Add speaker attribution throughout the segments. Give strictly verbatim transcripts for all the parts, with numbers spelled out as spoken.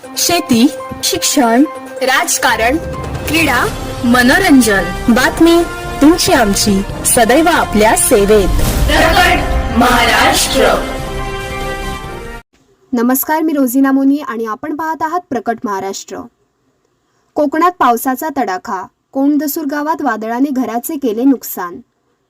Speaker 1: शेती, शिक्षण, राजकारण, क्रीडा, मनोरंजन, बातमी तुमची आमची सदैव आपल्या सेवेत. प्रकट महाराष्ट्र.
Speaker 2: नमस्कार, मी रोझिना मोनी आणि आपण पाहत आहात प्रकट महाराष्ट्र. कोकणात पावसाचा तडाखा. कोंडदसूर गावात वादळाने घराचे केले नुकसान.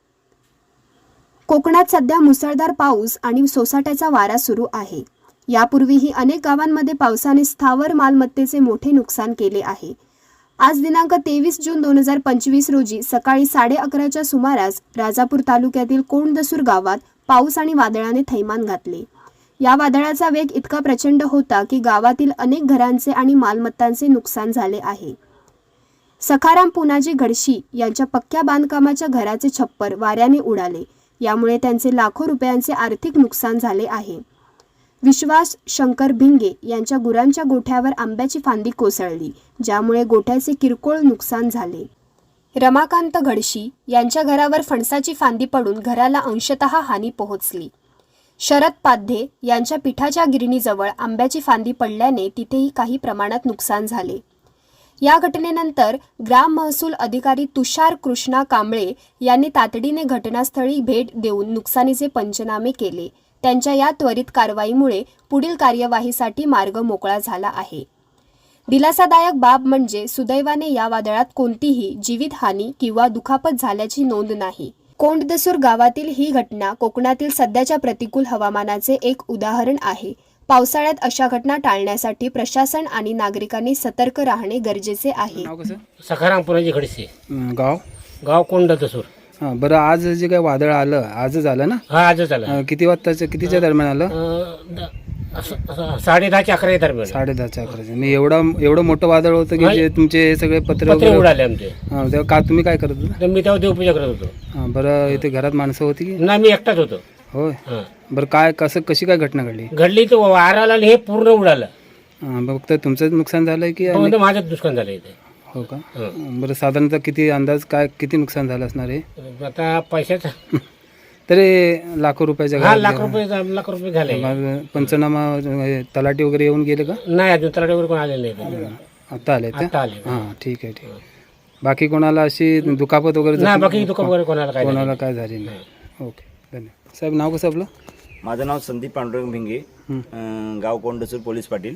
Speaker 2: कोकणात सध्या मुसळधार पाऊस आणि सोसाट्याचा वारा सुरू आहे. यापूर्वीही अनेक गावांमध्ये पावसाने स्थावर मालमत्तेचे मोठे नुकसान केले आहे. आज दिनांक तेवीस जून दोन हजार पंचवीस रोजी सकाळी साडे अकराच्या सुमारास राजापूर तालुक्यातील कोंडदसूर गावात पाऊस आणि वादळाने थैमान घातले. या वादळाचा वेग इतका प्रचंड होता की गावातील अनेक घरांचे आणि मालमत्तांचे नुकसान झाले आहे. सखाराम पुनाजी घडशी यांच्या पक्क्या बांधकामाच्या घराचे छप्पर वाऱ्याने उडाले. यामुळे त्यांचे लाखो रुपयांचे आर्थिक नुकसान झाले आहे. विश्वास शंकर भिंगे यांच्या गुरांच्या गोठ्यावर आंब्याची फांदी कोसळली, ज्यामुळे गोठ्याचे किरकोळ नुकसान झाले. रमाकांत घडशी यांच्या घरावर फणसाची फांदी पडून घराला अंशतः हानी पोहोचली. शरद पाध्ये यांच्या पिठाच्या गिरणीजवळ आंब्याची फांदी पडल्याने तिथेही काही प्रमाणात नुकसान झाले. या घटनेनंतर ग्राम महसूल अधिकारी तुषार कृष्णा कांबळे यांनी तातडीने घटनास्थळी भेट देऊन नुकसानीचे पंचनामे केले. त्यांच्या या त्वरित कारवाईमुळे पुढील कार्यवाहीसाठी मार्ग मोकळा झाला आहे. दिलासादायक बाब म्हणजे सुदैवाने या वादळात कोणतीही जीवितहानी किंवा दुखापत झाल्याची नोंद नाही. कोंडदसूर गावातील ही घटना कोकणातील सध्याच्या प्रतिकूल हवामानाचे एक उदाहरण आहे. पावसाळ्यात अशा घटना टाळण्यासाठी प्रशासन आणि नागरिकांनी सतर्क राहणे गरजेचे आहे.
Speaker 3: सखाराम पुनाजी घडसे.
Speaker 4: गाव
Speaker 3: गाव कोंडदसूर.
Speaker 4: हां, बरं. आज जे काय वादळ आलं आजच आलं ना?
Speaker 3: हा आजच आलं.
Speaker 4: अं, किती वाजताचं कितीच्या दरम्यान आलं?
Speaker 3: अं, द- स- स- साडे दहाच्या अकरा दरम्यान.
Speaker 4: साडे दहाच्या अकराच्या. मी एवढं एवढं मोठं वादळ होतं की
Speaker 3: नाही.
Speaker 4: जे तुमचे हे सगळे पत्र
Speaker 3: पत्रे
Speaker 4: वगैरे-
Speaker 3: उडाले आमचे.
Speaker 4: हां, तेव्हा का तुम्ही काय करत होता?
Speaker 3: तर मी तेव्हा देवपूजा करत होतो.
Speaker 4: हां, बरं. इथे घरात माणसं होती की
Speaker 3: ना मी एकटाच होतो.
Speaker 4: होय?
Speaker 3: हा.
Speaker 4: बरं. काय कसं कशी काय घटना घडली?
Speaker 3: घडली तर वाराला आणि हे पूर्ण उडालं.
Speaker 4: हां, फक्त तुमचंच नुकसान झालंय की आणि-
Speaker 3: फक्त माझंच नुकसान झालं इथे.
Speaker 4: हो का?
Speaker 3: हं.
Speaker 4: बरं. साधारणतः किती अंदाज काय किती नुकसान झालं असणार आहे?
Speaker 3: आता पैशाचं
Speaker 4: तरी लाखो रुपयाच्या
Speaker 3: हा
Speaker 4: घरात
Speaker 3: लाख रुपये लाख रुपये झाले.
Speaker 4: मग पंचनामा हे, तलाठी वगैरे येऊन गेले का?
Speaker 3: नाही अजून तलाठी वगैरे कोण आलेले नाही.
Speaker 4: आता आले ते?
Speaker 3: आता आले.
Speaker 4: हां, ठीक आहे ठीक आहे. बाकी कोणाला अशी दुखापत वगैरे
Speaker 3: नाही
Speaker 4: जखम-
Speaker 3: बाकी दुकान वगैरे कोणाला काय
Speaker 4: कोणाला काय झाली नाही? ओके, धन्यवाद. साहेब, नाव कसं आपलं?
Speaker 5: माझं नाव संदीप पांडुरंग भिंगे, अं, गाव कोंडदसूर, पोलीस पाटील.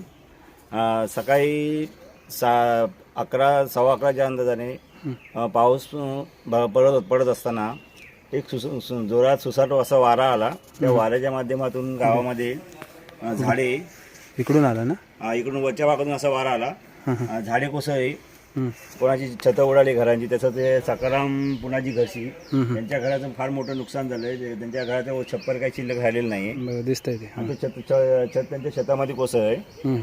Speaker 5: अं, सकाळी सा अकरा सव्वा अकराच्या अंदाजाने अं, पाऊस अं, ब- पडत पडत असताना एक सुस सु- जोरात सुसाट असा वारा आला. त्या वाऱ्याच्या माध्यमातून गावामध्ये अं, झाडे
Speaker 4: इकडून आला ना?
Speaker 5: अं, इकडून वरच्या भागातून असा वारा आला. अं, झाडे कोसळली,
Speaker 4: हं.
Speaker 5: कोणाची छतं उडाली घरांची. त्याचं ते सकाराम पुनाजी घरशी त्यांच्या घराचं फार मोठं नुकसान झालंय. ते- त्यांच्या घराचं छप्पर काही शिल्लक राहिलेलं नाही.
Speaker 4: बरं, दिसतंय ते. हां.
Speaker 5: ते छत छ- छत त्यांच्या शेतामध्ये कोसळलंय.
Speaker 4: हं.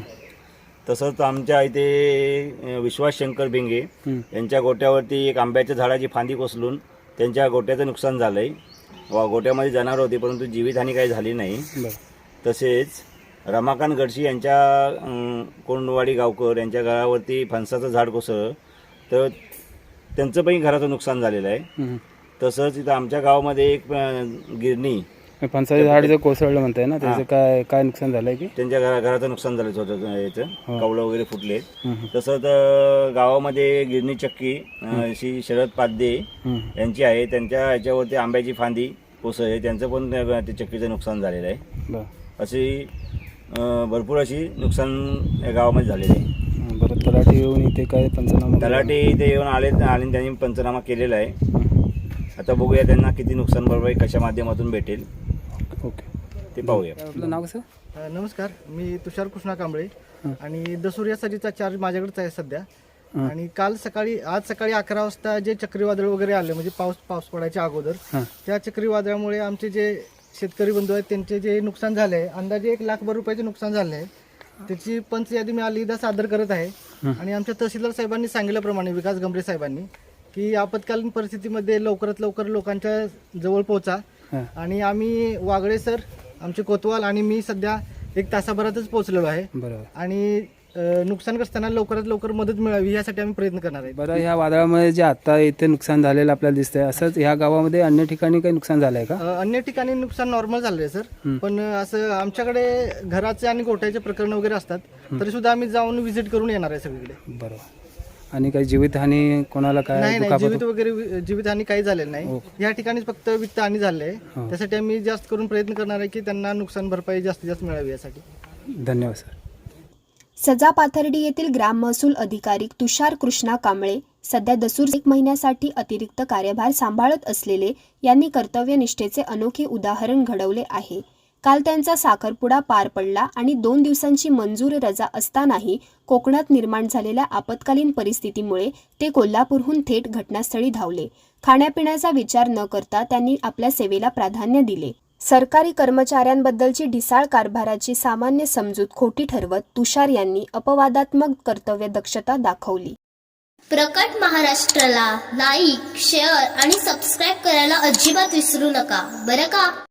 Speaker 5: तसंच आमच्या इथे अ, विश्वास शंकर भिंगे
Speaker 4: हं.
Speaker 5: यांच्या गोट्यावरती एक आंब्याच्या झाडाची फांदी कोसळून त्यांच्या गोट्याचं नुकसान झालंय. वा गोट्यामध्ये जनावर होती परंतु जीवितहानी काही झाली नाही.
Speaker 4: बरं.
Speaker 5: तसेच रमाकांत गडशी यांच्या अं, कोंडवाडी गावकर यांच्या घरावरती फणसाचं झाड कोसळलं तर त्यांचं पण घराचं नुकसान झालेलं आहे.
Speaker 4: हं.
Speaker 5: तसंच इथं आमच्या गावामध्ये एक अं, गिरणी
Speaker 4: फणसाचं झाड जर कोसळलं म्हणताय ना, त्याचं काय काय नुकसान झालंय की?
Speaker 5: त्यांच्या घरा घराचं नुकसान झालं छोटं याचं, कवलं वगैरे फुटले.
Speaker 4: हं.
Speaker 5: तसंच अं, गावामध्ये गिरणी चक्की अं, श्री शरद पाध्ये
Speaker 4: हं.
Speaker 5: यांची आहे. त्यांच्या ह्याच्यावरती आंब्याची फांदी कोसळली, त्यांचं पण त्या- ते चक्कीचं नुकसान झालेलं आहे.
Speaker 4: बरं.
Speaker 5: अशी अं, भरपूर अशी नुकसान या गावामध्ये झालेली आहे.
Speaker 4: हं. बरं. तलाठी येऊन इथे काय पंचनामा?
Speaker 5: तलाठी इथे येऊन आले आणि त्यांनी पंचनामा केलेला आहे. आता बघूया त्यांना किती नुकसान भरपाई कशा माध्यमातून भेटेल
Speaker 4: ओके,
Speaker 5: ते पाहूया.
Speaker 4: आपलं नाव कसं?
Speaker 6: अ, नमस्कार, मी तुषार कृष्णा कांबळे आणि दसूर या सरीचा चार्ज माझ्याकडेच आहे सध्या. आणि काल सकाळी आज सकाळी अकरा वाजता जे चक्रीवादळ वगैरे आलं म्हणजे पाऊस पाऊस पडायच्या अगोदर
Speaker 4: हां.
Speaker 6: त्या चक्रीवादळामुळे आमचे जे शेतकरी बंधू आहेत त्यांचे जे नुकसान झाले आहे अंदाजे एक लाखभर रुपयाचे नुकसान झाले आहे. त्याची पंच यादी मी अलीदा सादर करत आहे. आणि आमच्या तहसीलदार साहेबांनी सांगितल्याप्रमाणे विकास गंभीर साहेबांनी की आपत्कालीन परिस्थितीमध्ये लवकरात लवकर लोकांच्या जवळ पोहोचा. आणि आम्ही वागळे सर, आमचे कोतवाल आणि मी सध्या एक तासाभरातच पोहोचलेलो आहे.
Speaker 4: बरोबर.
Speaker 6: आणि अ, नुकसानग्रस्तांना लवकरात लवकर मदत मिळावी यासाठी आम्ही प्रयत्न करणार आहे.
Speaker 4: बरं, ह्या वादळामुळे जे आता इथे नुकसान झालेलं आपल्याला दिसतंय, असंच ह्या गावामध्ये अन्य ठिकाणी काही नुकसान झालंय का?
Speaker 6: अ, अन्य ठिकाणी नुकसान नॉर्मल झालं आहे सर, पण असं आमच्याकडे घराचे आणि गोठ्याचे प्रकरण वगैरे असतात, तरी सुद्धा आम्ही जाऊन व्हिजिट करून येणार आहे सगळीकडे.
Speaker 4: बरोबर. आणि काही जीवितहानी कोणाला काय
Speaker 6: नाही नाही,
Speaker 4: दुखापत?
Speaker 6: जीवित वगैरे जीवितहानी काही झालेलं नाही. या ठिकाणी फक्त वित्तहानी झाली आहे. त्यासाठी आम्ही जास्त करून प्रयत्न करणार आहे की त्यांना नुकसान भरपाई जास्तीत जास्त मिळावी यासाठी.
Speaker 4: धन्यवाद सर.
Speaker 2: सजा पाथर्डी येथील ग्राम महसूल अधिकारी तुषार कृष्णा कांबळे सध्या दसूर एक महिन्यासाठी अतिरिक्त कार्यभार सांभाळत असलेले यांनी कर्तव्यनिष्ठेचे अनोखे उदाहरण घडवले आहे. काल त्यांचा साखरपुडा पार पडला आणि दोन दिवसांची मंजूर रजा असतानाही कोकणात निर्माण झालेल्या आपत्कालीन परिस्थितीमुळे ते कोल्हापूरहून थेट घटनास्थळी धावले. खाण्यापिण्याचा विचार न करता त्यांनी आपल्या सेवेला प्राधान्य दिले. सरकारी कर्मचाऱ्यांबद्दलची ढिसाळ कारभाराची सामान्य समजूत खोटी ठरवत तुषार यांनी अपवादात्मक कर्तव्य दक्षता दाखवली.
Speaker 7: प्रकट महाराष्ट्राला लाईक, शेअर आणि सबस्क्राईब करायला अजिबात विसरू नका बरं का.